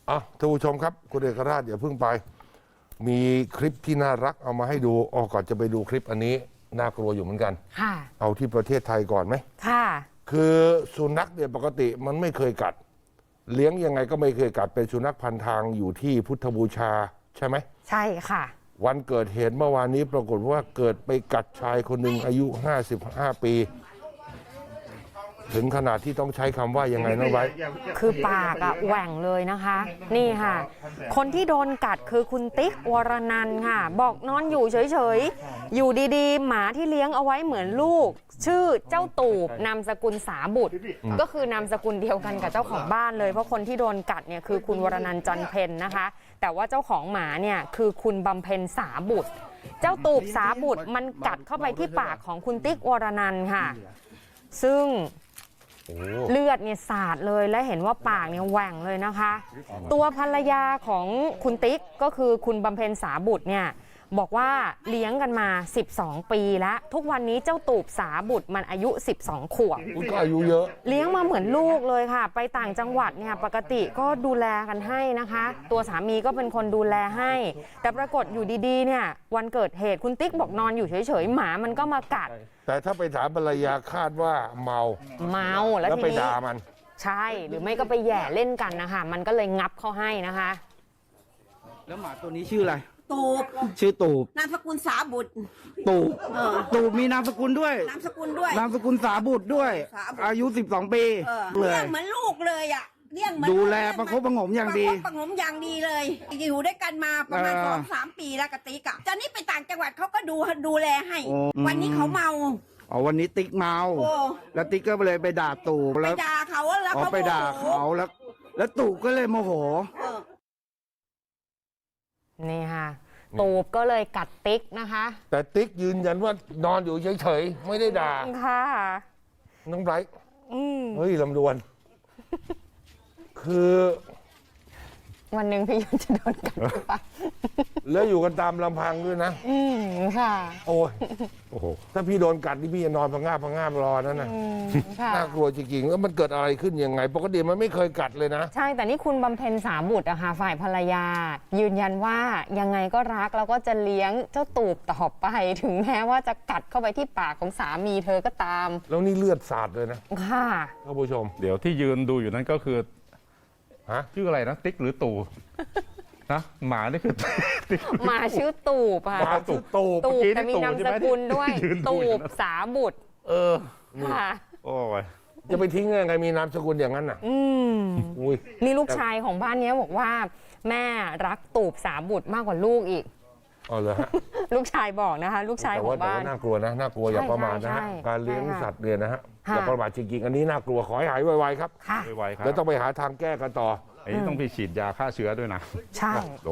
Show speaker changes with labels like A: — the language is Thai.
A: ท่านผู้ชมครับคุณเอกราชอย่าเพิ่งไปมีคลิปที่น่ารักเอามาให้ดูก่อนจะไปดูคลิปอันนี้น่ากลัวอยู่เหมือนกัน
B: ค่ะ
A: เอาที่ประเทศไทยก่อนไหม
B: ค่ะ
A: คือสุนัขเนี่ยปกติมันไม่เคยกัดเลี้ยงยังไงก็ไม่เคยกัดเป็นสุนัขพันทางอยู่ที่พุทธบูชาใช่ไหม
B: ใช่ค่ะ
A: วันเกิดเหตุเมื่อวานนี้ปรากฏว่าเกิดไปกัดชายคนหนึ่งอายุ55 ปีถึงขนาดที่ต้องใช้คำว่ายังไงนะไว้
B: คือปากแหว่งเลยนะคะนี่ค่ะคนที่โดนกัดคือคุณติ๊กวรนันท์ค่ะบอกนอนอยู่เฉยๆอยู่ดีๆหมาที่เลี้ยงเอาไว้เหมือนลูกชื่อเจ้าตูบนามสกุลสาบุตรก็คือนามสกุลเดียวกันกับเจ้าของบ้านเลยเพราะคนที่โดนกัดเนี่ยคือคุณวรนันท์จันเพ็ญนะคะแต่ว่าเจ้าของหมาเนี่ยคือคุณบำเพ็ญสาบุตรเจ้าตูบสาบุตรมันกัดเข้าไปที่ปากของคุณติ๊กวรนันท์ค่ะซึ่งเลือดเนี่ยสาดเลยและเห็นว่าปากเนี่ยแหว่งเลยนะคะตัวภรรยาของคุณติ๊กก็คือคุณบำเพ็ญสาบุตรเนี่ยบอกว่าเลี้ยงกันมา12 ปีแล้วทุกวันนี้เจ้าตูบสาบุตรมันอายุ12 ขวบ
A: ก็อายุเยอะ
B: เลี้ยงมาเหมือนลูกเลยค่ะไปต่างจังหวัดเนี่ยปกติก็ดูแลกันให้นะคะตัวสามีก็เป็นคนดูแลให้แต่ปรากฏอยู่ดีๆเนี่ยวันเกิดเหตุคุณติ๊กบอกนอนอยู่เฉยๆหมามันก็มากัด
A: แต่ถ้าไปถามภรรยาคาดว่าเมา
B: แล้ว
A: ไปด่ามัน
B: ใช่หรือไม่ก็ไปแย่เล่นกันนะคะมันก็เลยงับเขาให้นะคะ
C: แล้วหมาตัวนี้ชื่ออะไร
D: ตูบ
C: ชื่อตูบ
D: นามสกุลสาบุตร
C: ตูบตูบมีนามสกุลด้วย
D: นามสกุลด้วย
C: นามสกุลสาบุตรด้วยอายุ12 ปี
D: เลี้ยงเหมือนลูกเลยอ่ะเลี้ยงเหมือน
C: ดูแลประคบประหงมอย่างดี
D: ประหงมอย่างดีเลยอยู่ด้วยกันมาประมาณ2-3 ปีแล้วกติกะตอนนี้ไปต่างจังหวัดเขาก็ดูแลให้วันนี้เขาเมา
C: วันนี้ติ๊กเมาแล้วติ๊กก็เลยไปด่าตูบ
D: แล้วไปด่าเขาแล้วเขา
C: ไปด่าเขาแล้วตูบก็เลยโมโห
B: นี่ค่ะตูบก็เลยกัดติ๊กนะคะ
A: แต่ติ๊กยืนยันว่านอนอยู่เฉยๆไม่ได้ด่า
B: ค่ะ
A: น้องไบรท์เฮ้ยลำดวนคือ
B: วันหนึ่งพี่ยุนจะโดนกัดหรือเปล่า
A: แล้วอยู่กันตามลำพังด้วยนะ
B: ค่ะ
A: โอ้โหถ้าพี่โดนกัดนี่พี่จะนอนพังงาบรอนั่นนะน่ากลัวจริงๆแล้วมันเกิดอะไรขึ้นยังไงปกติมันไม่เคยกัดเลยนะ
B: ใช่แต่นี่คุณบำเพ็ญสาบุตรอะค่ะฝ่ายภรรยายืนยันว่ายังไงก็รักแล้วก็จะเลี้ยงเจ้าตูบต่อไปถึงแม้ว่าจะกัดเข้าไปที่ปากของสามีเธอก็ตาม
A: แล้วนี่เลือดสาดเลยนะ
B: ค่ะ
A: ท่านผู้ชม
E: เดี๋ยวที่ยืนดูอยู่นั้นก็คือชื่ออะไรนะติ๊กหรือตู่นะหมานี่คือ
B: หมาชื่อตูบค่ะ
A: หมาชื่อตูบ
B: แต่มีนามสกุลด้วยตูบสาบุตรค่ะ
E: โอ้ย
A: จะไปทิ้งยังไงมีนามสกุลอย่างนั้นน่ะ
B: นี่ลูกชายของบ้านนี้บอกว่าแม่รักตูบสาบุตรมากกว่าลูกอีก
A: เหรอฮะ
B: ลูกชายบอกนะคะลูกชายของบ้าน
A: น่ากลัวนะน่ากลัวอย่าประมาทนะฮะการเลี้ยงสัตว์เนี่ยนะฮะอย่าประมาทจริงๆอันนี้น่ากลัวขอให้หายไวๆครับ
B: ไว
E: ๆครับ
A: แล้วต้องไปหาทางแก้กันต่อ
E: อันนี้ต้องไปฉีดยาฆ่าเชื้อด้วยนะ
B: ใช่